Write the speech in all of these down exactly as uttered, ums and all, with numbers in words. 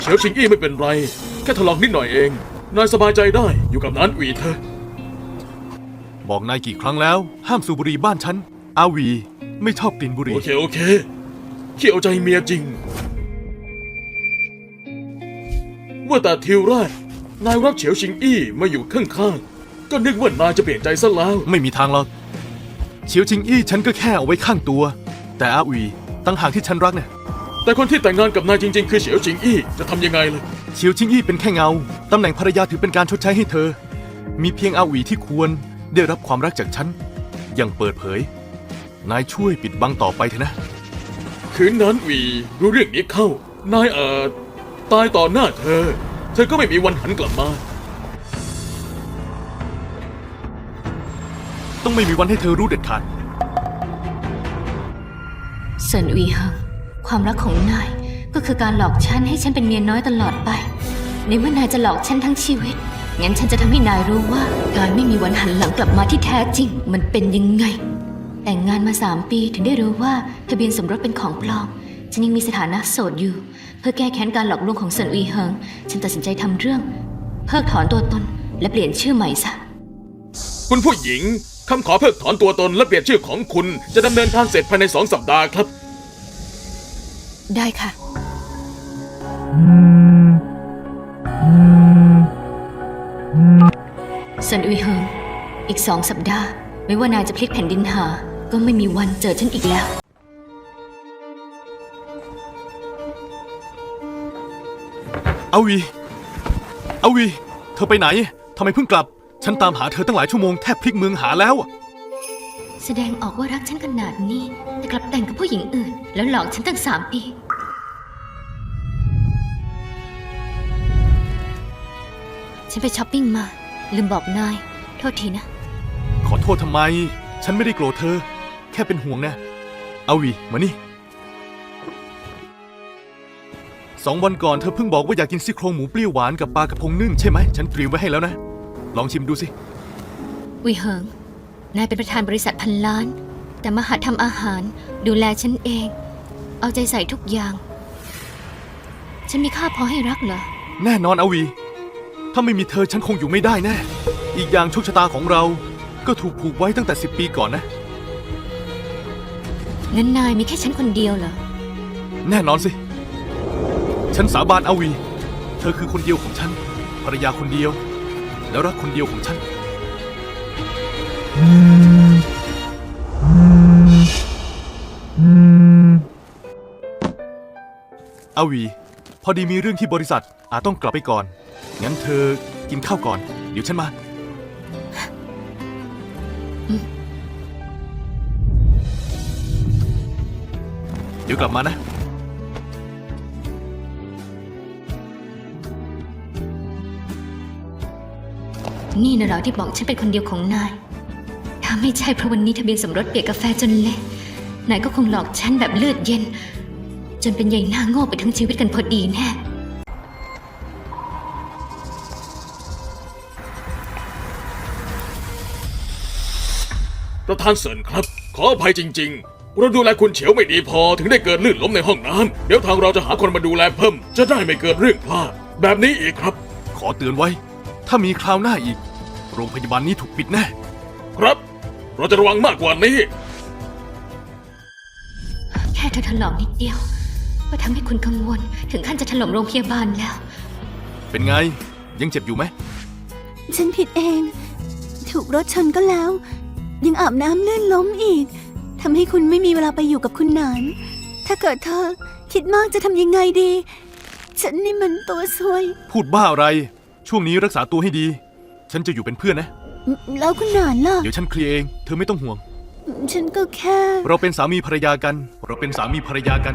เฉียวชิงอี้ไม่เป็นไรแค่ถลอกนิดหน่อยเองนายสบายใจได้อยู่กับนานหวีเธอบอกนายกี่ครั้งแล้วห้ามสูบบุหรี่บ้านฉันอาวีไม่ชอบกลิ่นบุหรี่โอเคโอเคขี้เอาใจเมียจริงว่าแต่ทิวแรกนายรับเฉียวชิงอี้มาอยู่ข้างๆก็นึกว่านายจะเปลี่ยนใจซะแล้วไม่มีทางหรอกเฉียวชิงอี้ฉันก็แค่เอาไว้ข้างตัวแต่อาวีตั้งหากที่ฉันรักเนี่ยแต่คนที่แต่งงานกับนายจริงๆคือเฉียวชิงอี้จะทำยังไงล่ะเฉียวชิงอี้เป็นแค่เงาตำแหน่งภรรยาถือเป็นการชดใช้ให้เธอมีเพียงอาวีที่ควรได้รับความรักจากฉันอย่างเปิดเผยนายช่วยปิดบังต่อไปเถอะนะคืนนั้นหวีรู้เรื่องนี้เข้านายเอ่อตายต่อหน้าเธอเธอก็ไม่มีวันหันกลับมาต้องไม่มีวันให้เธอรู้เด็ดขาดเซินอุยเฮิงความรักของนายก็คือการหลอกฉันให้ฉันเป็นเมียน้อยตลอดไปในเมื่อนายจะหลอกฉันทั้งชีวิตงั้นฉันจะทำให้นายรู้ว่าการไม่มีวันหันหลังกลับมาที่แท้จริงมันเป็นยังไงแต่งงานมาสามปีถึงได้รู้ว่าทะเบียนสมรสเป็นของปลอมฉันยังมีสถานะโสดอยู่เพื่อแก้แค้นการหลอกลวงของเซินอุยเฮิงฉันตัดสินใจทำเรื่องเพิกถอนตัวตนและเปลี่ยนชื่อใหม่ซะคุณผู้หญิงคำขอเพิกถอนตัวตนและเปลี่ยนชื่อของคุณจะดำเนินการเสร็จภายในสองสัปดาห์ครับได้ค่ะเซินอุยเฮิงอีกสองสัปดาห์ไม่ว่านายจะพลิกแผ่นดินหาก็ไม่มีวันเจอฉันอีกแล้วอาวีอาวีเธอไปไหนทำไมเพิ่งกลับฉันตามหาเธอตั้งหลายชั่วโมงแทบพลิกเมืองหาแล้วแสดงออกว่ารักฉันขนาดนี้แต่กลับแต่งกับผู้หญิงอื่นแล้วหลอกฉันตั้งสามปีฉันไปช้อปปิ้งมาลืมบอกนายโทษทีนะขอโทษทำไมฉันไม่ได้โกรธเธอแค่เป็นห่วงนะอาวีมานี่สองวันก่อนเธอเพิ่งบอกว่าอยากกินซี่โครงหมูเปรี้ยวหวานกับปลากระพงนึ่งใช่ไหมฉันเตรียมไว้ให้แล้วนะลองชิมดูสิวิเฮิงนายเป็นประธานบริษัทพันล้านแต่มาหัดทำอาหารดูแลฉันเองเอาใจใส่ทุกอย่างฉันมีค่าพอให้รักเหรอแน่นอนอาวีถ้าไม่มีเธอฉันคงอยู่ไม่ได้แน่อีกอย่างโชคชะตาของเราก็ถูกผูกไว้ตั้งแต่สิบปีก่อนนะงั้นนายมีแค่ฉันคนเดียวเหรอแน่นอนสิฉันสาบานอาวีเธอคือคนเดียวของฉันภรรยาคนเดียวแล้วรักคนเดียวของฉันอาวีพอดีมีเรื่องที่บริษัทอาจต้องกลับไปก่อนงั้นเธอกินข้าวก่อนเดี๋ยวฉันมาเดี๋ยวกลับมานะนี่นะเหรอที่บอกฉันเป็นคนเดียวของนายถ้าไม่ใช่เพราะวันนี้ทะเบียนสมรสเปียกกาแฟจนเละนายก็คงหลอกฉันแบบเลือดเย็นจนเป็นใหญ่หน้าโง่ไปทั้งชีวิตกันพอดีแน่ประธานเซินครับขออภัยจริงๆเราดูแลคุณเฉียวไม่ดีพอถึงได้เกิดลื่นล้มในห้องน้ำเดี๋ยวทางเราจะหาคนมาดูแลเพิ่มจะได้ไม่เกิดเรื่องพลาดแบบนี้อีกครับขอเตือนไว้ถ้ามีคราวหน้าอีกโรงพยาบาลนี้ถูกปิดแน่ครับเราจะระวังมากกว่านี้แค่เธอถลอกนิดเดียวก็ทำให้คุณกังวลถึงขั้นจะถล่มโรงพยาบาลแล้วเป็นไงยังเจ็บอยู่ไหมฉันผิดเองถูกรถชนก็แล้วยังอาบน้ำลื่นล้มอีกทำให้คุณไม่มีเวลาไปอยู่กับคุณหนานถ้าเกิดเธอคิดมากจะทำยังไงดีฉันนี่มันตัวซวยพูดบ้าอะไรช่วงนี้รักษาตัวให้ดีฉันจะอยู่เป็นเพื่อนนะแล้วคุณหนานล่ะเดี๋ยวฉันเคลียร์เองเธอไม่ต้องห่วงฉันก็แค่เราเป็นสามีภรรยากันเราเป็นสามีภรรยากัน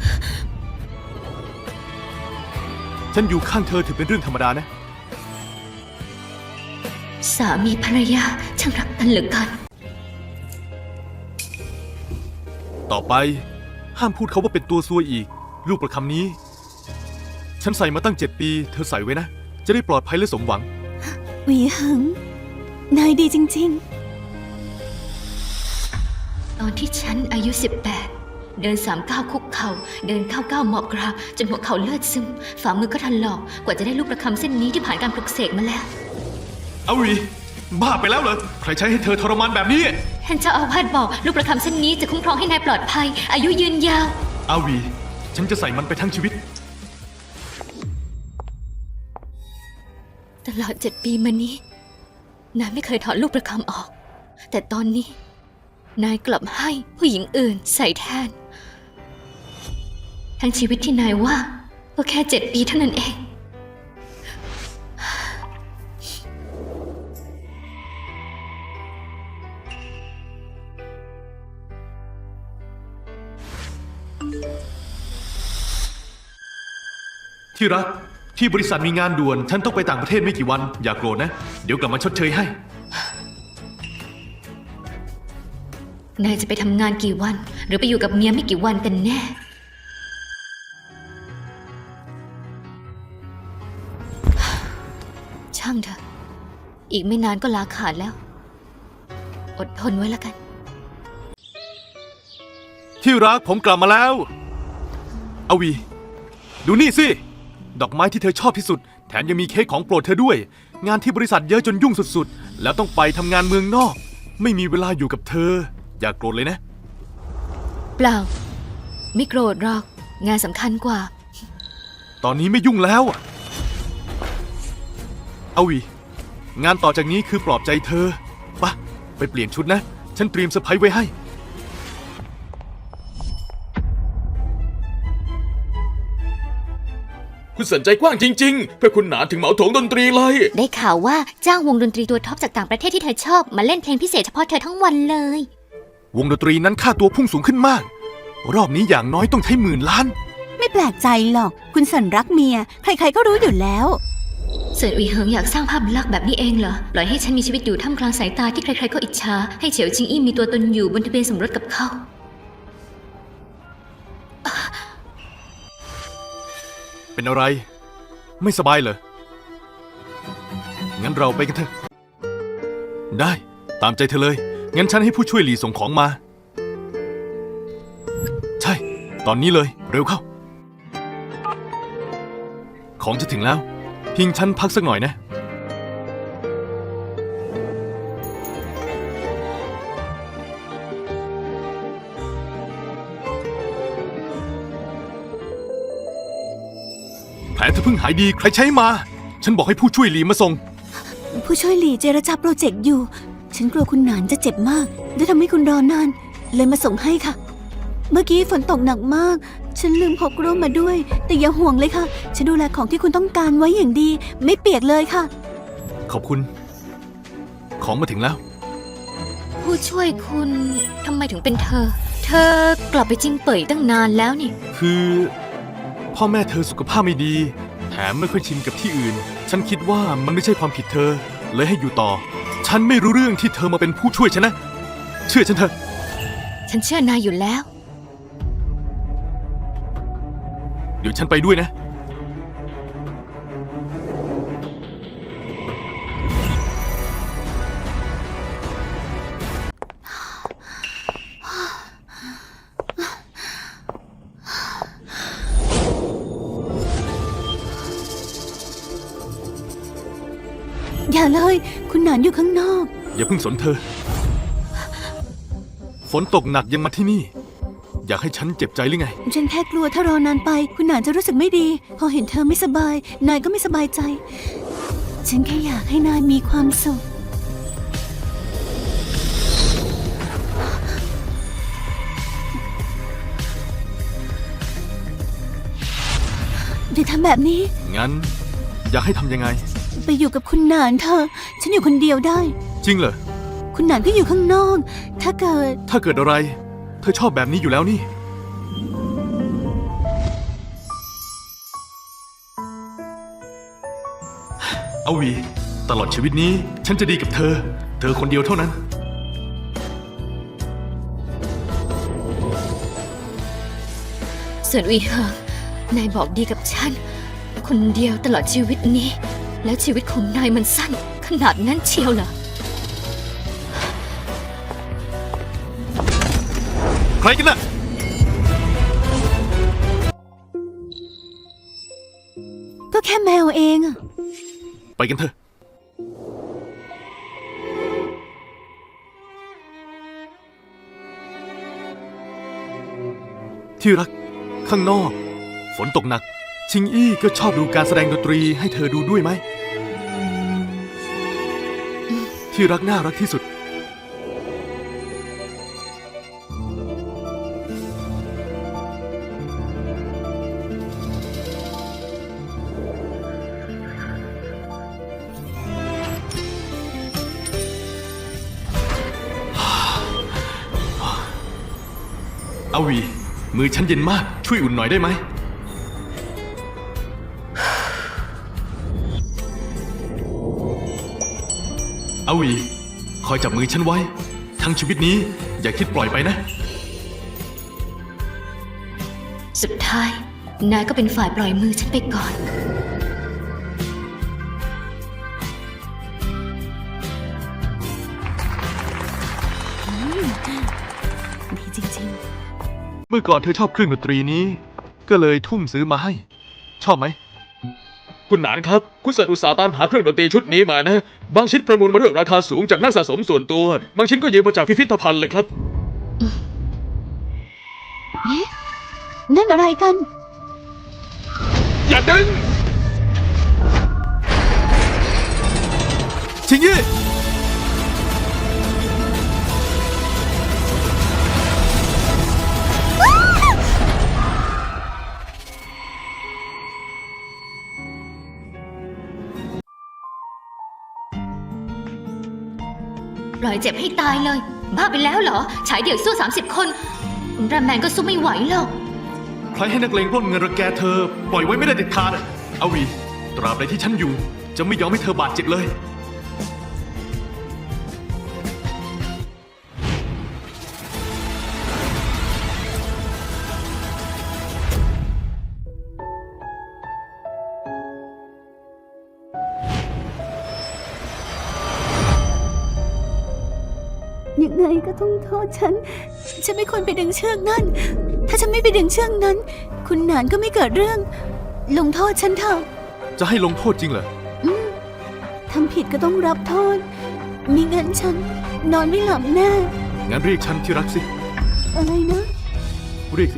ฉันอยู่ข้างเธอถือเป็นเรื่องธรรมดานะสามีภรรยาช่างรักกันเหลือเกินต่อไปห้ามพูดเขาว่าเป็นตัวซวยอีกลูกประคำนี้ฉันใส่มาตั้งเจ็ดปีเธอใส่ไว้นะจะได้ปลอดภัยและสมหวังหวีเหิงนายดีจริงๆตอนที่ฉันอายุสิบแปดเดินสามก้าวคุกเข่าเดินเข้าก้าวหมอบกราบจนหัวเข่าเลือดซึมฝ่ามือก็ถลอกกว่าจะได้ลูกประคำเส้นนี้ที่ผ่านการปลุกเสกมาแล้วอาวีบ้าไปแล้วเหรอใครใช้ให้เธอทรมานแบบนี้ท่านเจ้าอาวาสบอกลูกประคำเส้นนี้จะคุ้มครองให้นายปลอดภัย อายุยืนยาวอาวีฉันจะใส่มันไปทั้งชีวิตตลอดเจ็ดปีมานี้นายไม่เคยถอดลูกประคำออก แต่ตอนนี้นายกลับให้ผู้หญิงอื่นใส่แทน ทั้งชีวิตที่นายว่าก็แค่เจ็ดปีเท่านั้นเองที่รักที่บริษัทมีงานด่วนฉันต้องไปต่างประเทศไม่กี่วันอย่าโกรธนะเดี๋ยวกลับมาชดเชยให้นายจะไปทำงานกี่วัน หรือไปอยู่กับเมียไม่กี่วันกันแน่ ช่างเถอะ อีกไม่นานก็ลาขาดแล้ว อดทนไว้แล้วกันที่รักผมกลับมาแล้วอาวีดูนี่สิดอกไม้ที่เธอชอบที่สุดแถมยังมีเค้กของโปรดเธอด้วย งานที่บริษัทเยอะจนยุ่งสุดๆแล้วต้องไปทำงานเมืองนอก ไม่มีเวลาอยู่กับเธออย่าโกรธเลยนะเปล่า ไม่โกรธหรอก งานสำคัญกว่าตอนนี้ไม่ยุ่งแล้วอาวีงานต่อจากนี้คือปลอบใจเธอปะไปเปลี่ยนชุดนะฉันเตรียมเซอร์ไพรส์ไว้ให้คุณสนใจกว้างจริงๆ เพื่อคุณหนานถึงเหมาโถงดนตรีเลยได้ข่าวว่าจ้างวงดนตรีตัวท็อปจากต่างประเทศที่เธอชอบมาเล่นเพลงพิเศษเฉพาะเธอทั้งวันเลยวงดนตรีนั้นค่าตัวพุ่งสูงขึ้นมาก รอบนี้อย่างน้อยต้องใช้หมื่นล้านไม่แปลกใจหรอก คุณสันรักเมีย ใครๆก็รู้อยู่แล้วเสิร์ตอุยเหิงอยากสร้างภาพลักษณ์แบบนี้เองเหรอ ปล่อยให้ฉันมีชีวิตอยู่ท่ามกลางสายตาที่ใครๆก็อิจฉา ให้เฉียวจิงอี้มีตัวตนอยู่บนทะเบียนสมรสกับเขาเป็นอะไร ไม่สบายเหรอ งั้นเราไปกันเถอะ ได้ตามใจเธอเลย งั้นฉันให้ผู้ช่วยหลีส่งของมา ใช่ ตอนนี้เลย เร็วเข้า ของจะถึงแล้ว พิงฉันพักสักหน่อยนะ แผลเธอเพิ่งหายดีใครใช้มา ฉันบอกให้ผู้ช่วยหลีมาส่งผู้ช่วยหลีเจรจาโปรเจกต์อยู่ ฉันกลัวคุณหนานจะเจ็บมากและทำให้คุณรอนาน เลยมาส่งให้ค่ะ เมื่อกี้ฝนตกหนักมาก ฉันลืมพกร่มมาด้วย แต่อย่าห่วงเลยค่ะ ฉันดูแลของที่คุณต้องการไว้อย่างดี ไม่เปียกเลยค่ะขอบคุณ ของมาถึงแล้วผู้ช่วยคุณทำไมถึงเป็นเธอ เธอกลับไปจิงเป่ยตั้งนานแล้วนี่คือ พ่อแม่เธอสุขภาพไม่ดี แถมไม่ค่อยชินกับที่อื่น ฉันคิดว่ามันไม่ใช่ความผิดเธอ เลยให้อยู่ต่อ ฉันไม่รู้เรื่องที่เธอมาเป็นผู้ช่วยฉันนะ เชื่อฉันเถอะฉันเชื่อนายอยู่แล้วเดี๋ยวฉันไปด้วยนะอย่าเลย คุณหนานอยู่ข้างนอกอย่าเพิ่งสนเธอ ฝนตกหนักยังมาที่นี่ อยากให้ฉันเจ็บใจหรือไงฉันแค่กลัวถ้ารอนานไป คุณหนานจะรู้สึกไม่ดี พอเห็นเธอไม่สบาย นายก็ไม่สบายใจ ฉันแค่อยากให้นายมีความสุข อย่าทำแบบนี้งั้น อยากให้ทำยังไงไปอยู่กับคุณหนานเธอะฉันอยู่คนเดียวได้จริงเหรอคุณหนานก็อยู่ข้างนอก ถ้าเกิดถ้าเกิดอะไร เธอชอบแบบนี้อยู่แล้วนี่ เอาวี ตลอดชีวิตนี้ ฉันจะดีกับเธอ เธอคนเดียวเท่านั้นส่วนอุยเหิงนายบอกดีกับฉัน คนเดียวตลอดชีวิตนี้ แล้วชีวิตของนายมันสั้น ขนาดนั้นเชียวเหรอใครกันน่ะแค่แมวเองอะไปกันเถอะ ที่รัก ข้างนอก ฝนตกหนัก ชิงอี้ก็ชอบดูการแสดงดนตรีให้เธอดูด้วยไหม ที่รักน่ารักที่สุด อาวี มือฉันเย็นมาก ช่วยอุ่นหน่อยได้ไหม อาวี คอยจับมือฉันไว้ ทั้งชีวิตนี้อย่าคิดปล่อยไปนะสุดท้าย นายก็เป็นฝ่ายปล่อยมือฉันไปก่อนดีจริงเมื่อก่อนเธอชอบเครื่องดนตรีนี้ ก็เลยทุ่มซื้อมาให้ ชอบไหมคุณหนานครับ คุณเสิร์ชอุตสาห์ตามหาเครื่องดนตรีชุดนี้มานะ บางชิ้นประมูลมาด้วยราคาสูงจากนักสะสมส่วนตัว บางชิ้นก็ยืมมาจากพิพิธภัณฑ์เลยครับๆ นั่นอะไรกันอย่าดึงชิงยี่ปล่อยเจ็บให้ตายเลย บ้าไปแล้วเหรอ ฉายเดี่ยวสู้สามสิบคนอุลตร้าแมนก็สู้ไม่ไหวหรอกใครให้นักเลงปล้นเงินรังแกเธอ ปล่อยไว้ไม่ได้เด็ดขาดอะอาวี ตราบใดที่ฉันอยู่ จะไม่ยอมให้เธอบาดเจ็บเลยยังไงก็ต้องโทษฉัน ฉันไม่ควรไปดึงเชือกนั่น ถ้าฉันไม่ไปดึงเชือกนั้น คุณหนานก็ไม่เกิดเรื่อง ลงโทษฉันเถอะจะให้ลงโทษจริงเหรอทำผิดก็ต้องรับโทษมิงั้นฉันนอนไม่หลับแน่งั้นเรียกฉันที่รักสิอะไรนะเรียกสิ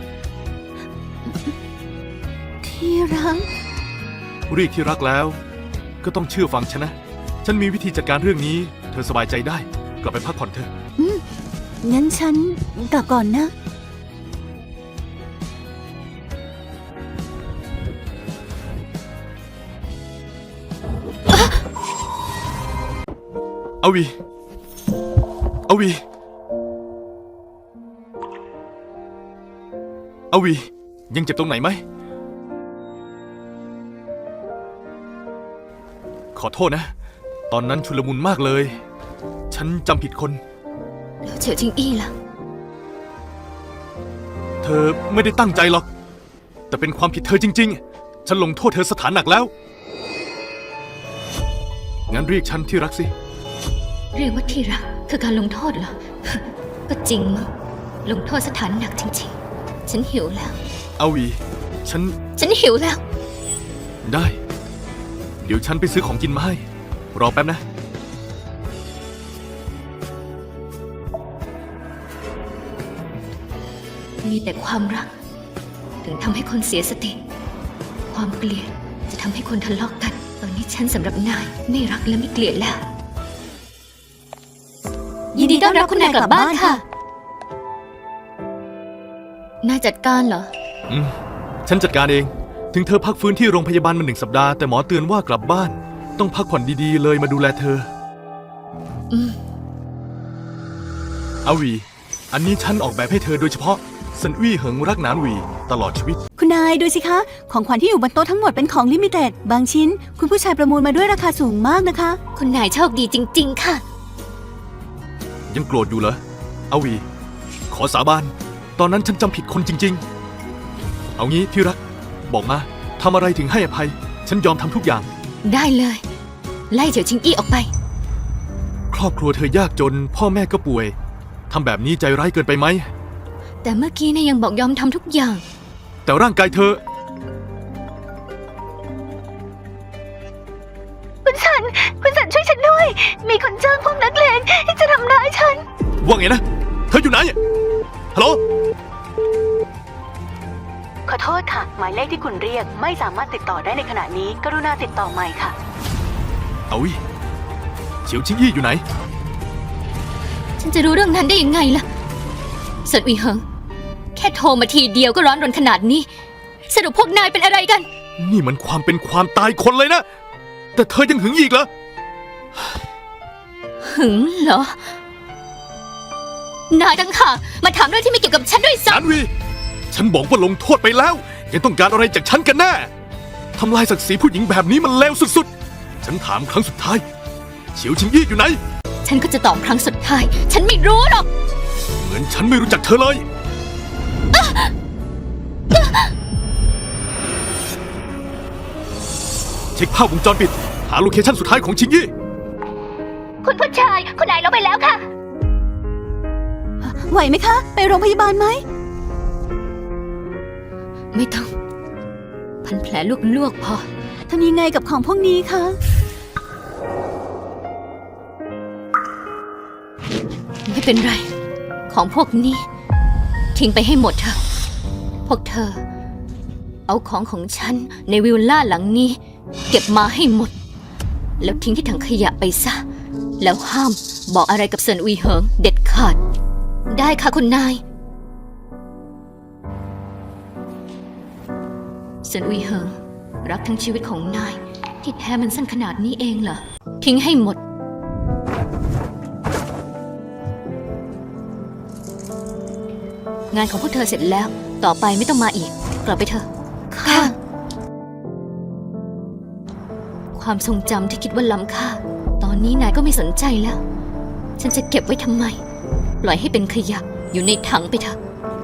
ที่รักเรียกที่รักแล้ว ก็ต้องเชื่อฟังฉันนะ ฉันมีวิธีจัดการเรื่องนี้ เธอสบายใจได้ กลับไปพักผ่อนเถอะงั้นฉันกลับก่อนนะอาวี อาวี อาวี ยังเจ็บตรงไหนไหม ขอโทษนะ ตอนนั้นชุลมุนมากเลย ฉันจำผิดคนแล้วเฉียวจิงอี้ล่ะเธอไม่ได้ตั้งใจหรอก แต่เป็นความผิดเธอจริงๆ ฉันลงโทษเธอสถานหนักแล้ว งั้นเรียกฉันที่รักสิเรียกว่าที่รักคือการลงโทษเหรอ ก็จริงมั้งลงโทษสถานหนักจริงๆ ฉันหิวแล้วอาวี ฉันฉันหิวแล้วได้ เดี๋ยวฉันไปซื้อของกินมาให้ รอแป๊บนะมีแต่ความรัก ถึงทำให้คนเสียสติ ความเกลียดจะทำให้คนทะเลาะกัน ตอนนี้ฉันสำหรับนายไม่รักและไม่เกลียดแล้ว ยินดีต้อนรับคุณนายกลับบ้านค่ะ นายจัดการเหรออืม ฉันจัดการเอง ถึงเธอพักฟื้นที่โรงพยาบาลมาหนึ่งสัปดาห์ แต่หมอเตือนว่ากลับบ้าน ต้องพักผ่อนดีๆ เลยมาดูแลเธออืมอาวี อันนี้ฉันออกแบบให้เธอโดยเฉพาะสันวี่เหิงรักหนานหวีตลอดชีวิตคุณนายดูสิคะ ของขวัญที่อยู่บนโต๊ะทั้งหมดเป็นของลิมิเต็ด บางชิ้น คุณผู้ชายประมูลมาด้วยราคาสูงมากนะคะคุณนายโชคดีจริง ๆ ค่ะยังโกรธอยู่เหรอ อาวี ขอสาบาน ตอนนั้นฉันจำผิดคนจริงๆ เอางี้ที่รัก บอกมาทำอะไรถึงให้อภัย ฉันยอมทำทุกอย่างได้เลย ไล่เฉียวจิงอี้ออกไปครอบครัวเธอยากจน พ่อแม่ก็ป่วยทำแบบนี้ใจร้ายเกินไปไหมแต่เมื่อกี้นายยังบอกยอมทำทุกอย่างแต่ร่างกายเธอคุณสัน คุณสันช่วยฉันด้วย มีคนจ้างพวกนักเลงที่จะทำร้ายฉันว่าไงนะ เธออยู่ไหน ฮัลโหลขอโทษค่ะ หมายเลขที่คุณเรียกไม่สามารถติดต่อได้ในขณะนี้ กรุณาติดต่อใหม่ค่ะเอาวิเฉียวชิงอี้อยู่ไหนฉันจะรู้เรื่องนั้นได้ยังไงล่ะเซินอุยเฮิงแค่โทรมาทีเดียวก็ร้อนรนขนาดนี้ สรุปพวกนายเป็นอะไรกันนี่มันความเป็นความตายคนเลยนะ แต่เธอยังหึงอีกเหรอหึงเหรอ นายตั้งหากมาถามเรื่องที่ไม่เกี่ยวกับฉันด้วยสาซ้รวี ฉันบอกว่าลงโทษไปแล้ว ยังต้องการอะไรจากฉันกันแน่ ทำลายศักดิ์ศรีผู้หญิงแบบนี้มันเลวสุดๆ ฉันถามครั้งสุดท้าย เฉียวชิงอี้อยู่ไหนำฉันก็จะตอบครั้งสุดท้าย ฉันไม่รู้หรอกเหมือนฉันไม่รู้จักเธอเลย เช็คภาพวงจรปิด หาโลเคชั่นสุดท้ายของชิงอี้คุณผู้ชายคุณนายลงไปแล้วค่ะไหวไหมคะ ไปโรงพยาบาลไหมไม่ต้อง พันแผลลวกๆพอทำยังไงกับของพวกนี้คะไม่เป็นไร ของพวกนี้ ทิ้งไปให้หมดเถอะ พวกเธอ เอาของของฉันในวิลล่าหลังนี้ เก็บมาให้หมด แล้วทิ้งที่ถังขยะไปซะ แล้วห้ามบอกอะไรกับเซินอุยเหิงเด็ดขาด ได้ค่ะคุณนายเซินอุยเหิงรักทั้งชีวิตของนาย ที่แท้มันสั้นขนาดนี้เองเหรอ ทิ้งให้หมด งานของพวกเธอเสร็จแล้ว ต่อไปไม่ต้องมาอีก กลับไปเถอะ ค่ะ ความทรงจำที่คิดว่าล้ำค่า ตอนนี้นายก็ไม่สนใจแล้ว ฉันจะเก็บไว้ทำไม ปล่อยให้เป็นขยะอยู่ในถังไปเถอะ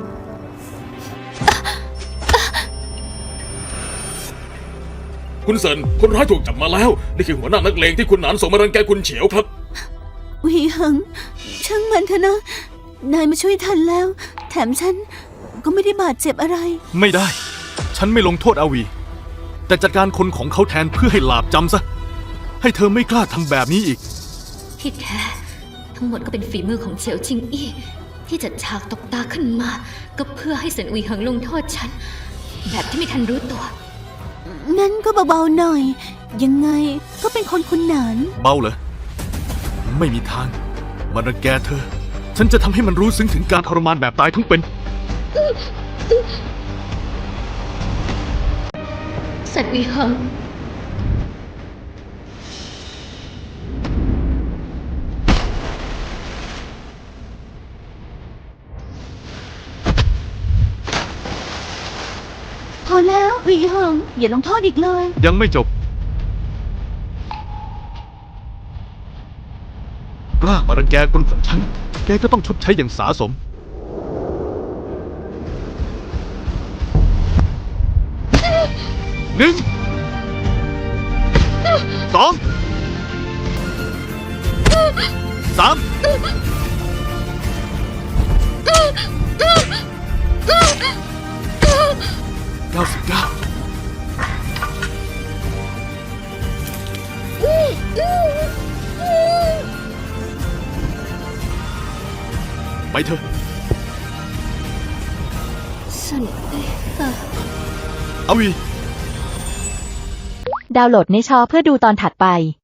คุณเซินคนร้ายถูกจับมาแล้ว นี่คือหัวหน้านักเลงที่คุณหนานส่งมารังแกคุณเฉียวครับอุยเหิงช่างมันเถอะนะ นายมาช่วยทันแล้ว แถมฉันก็ไม่ได้บาดเจ็บอะไรไม่ได้ ฉันไม่ลงโทษอาวี แต่จัดการคนของเขาแทนเพื่อให้หลาบจำซะ ให้เธอไม่กล้าทำแบบนี้อีกที่แท้ ทั้งหมดก็เป็นฝีมือของเฉียวจิงอี้ที่จัดฉากตบตาขึ้นมา ก็เพื่อให้เซินอุยเหิงลงโทษฉัน แบบที่ไม่ทันรู้ตัวงั้นก็เบาๆหน่อย ยังไงก็เป็นคนคุณหนานเบาเหรอ ไม่มีทาง มันรังแกเธอ ฉันจะทำให้มันรู้ซึ้งถึงการทรมานแบบตายทั้งเป็นเซินอุยเหิงพอแล้วอุยเหิงอย่าลงโทษอีกเลยยังไม่จบ กล้ามารังแกคนของฉัน แกก็ต้องชดใช้อย่างสาสม หนึ่ง สอง สาม เก้าสิบเก้า ไปเถอะเซินอุยเหิงอาวีดาวน์โหลดในชอเพื่อดูตอนถัดไป